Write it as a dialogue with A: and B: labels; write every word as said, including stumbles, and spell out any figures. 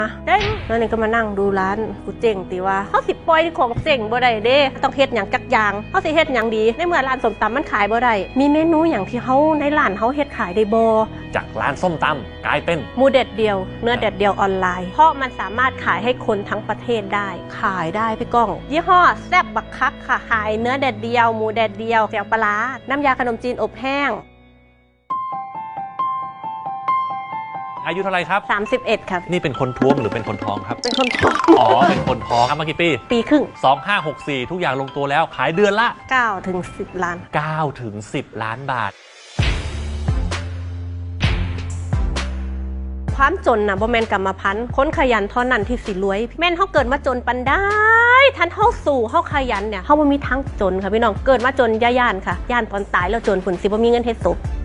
A: เด้แล้วนี่ก็มานั่งดูร้านกูเจ๋งตีว่าเขาสิปล่อยของเจ๋งบ่ได้เด้ต้องเฮ็ดอย่างจักอย่างเขาสิเฮ็ดอย่างดีในเมื่อร้านส้มตำมันขายบ่ได้มีเมนูอย่างที่เขาในร้านเขาเฮ็ดขายได้บ่
B: จากร้านส้มตำกลายเป็น
A: หมูเด็ดเดียวเนื้อเด็ดเดียวออนไลน์เพราะมันสามารถขายให้คนทั้งประเทศได้ขายได้พี่ก้องยี่ห้อแซ่บบักคักค่ะขายเนื้อเด็ดเดียวหมูเด็ดเดียวเจียวปลาน้ำยาขนมจีนอบแห้ง
B: อายุเท่าไรครับ
A: สามสิบเอ็ดครับ
B: นี่เป็นคนท้วมหรือเป็นคนท้องครับ
A: เป็นคนท้อง
B: อ๋อเป็นคนท้องทำมากี่ปี
A: ปีครึ่ง
B: สอง ห้า หก สี่ทุกอย่างลงตัวแล้วขายเดือนละ
A: เก้าถึงสิบล้าน
B: เก้าถึงสิบล้านบาท
A: ความจนนะบ่แม่นกรรมพันธุ์คนขยันเท่านั้นที่สิรวยแม่นเฮาเกิดมาจนปันได้ทันเฮาสู่เฮาขยันเนี่ยเฮาบ่มีทางจนค่ะพี่น้องเกิดมาจนย่าย่านค่ะย่านตอนตายแล้วจนผุนสิบ่มีเงินเฮ็ดศพ